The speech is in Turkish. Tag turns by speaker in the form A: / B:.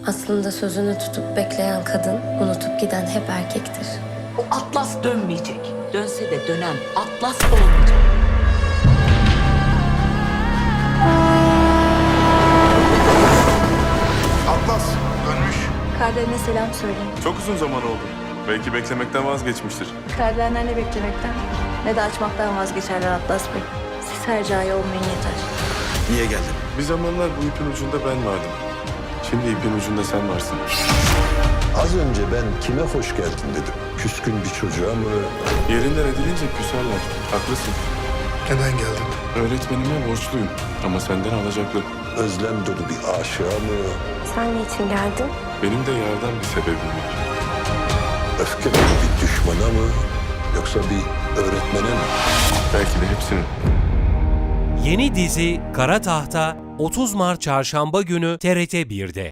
A: Aslında sözünü tutup bekleyen kadın, unutup giden hep erkektir.
B: O Atlas dönmeyecek. Dönse de dönen Atlas olmayacak.
C: Atlas dönmüş.
D: Kardeşine selam söyleyin.
E: Çok uzun zaman oldu. Belki beklemekten vazgeçmiştir.
D: Kardeşler ne beklemekten ne de açmaktan vazgeçerler Atlas Bey. Siz her cahil olmayın yeter.
C: Niye geldin?
E: Bir zamanlar bu ipin ucunda ben vardım. Şimdi ipin ucunda sen varsın.
F: Az önce ben kime hoş geldin dedim. Küskün bir çocuğa mı?
E: Yerinden edilince küserler. Haklısın.
C: Neden geldin?
E: Öğretmenime borçluyum ama senden alacaklı.
F: Özlem dolu bir aşığa mı?
A: Sen niçin geldin?
E: Benim de yardan bir sebebim var.
F: Öfke dolu bir düşmana mı? Yoksa bir öğretmene mi?
E: Belki de hepsinin.
G: Yeni dizi Kara Tahta 30 Mart Çarşamba günü TRT 1'de.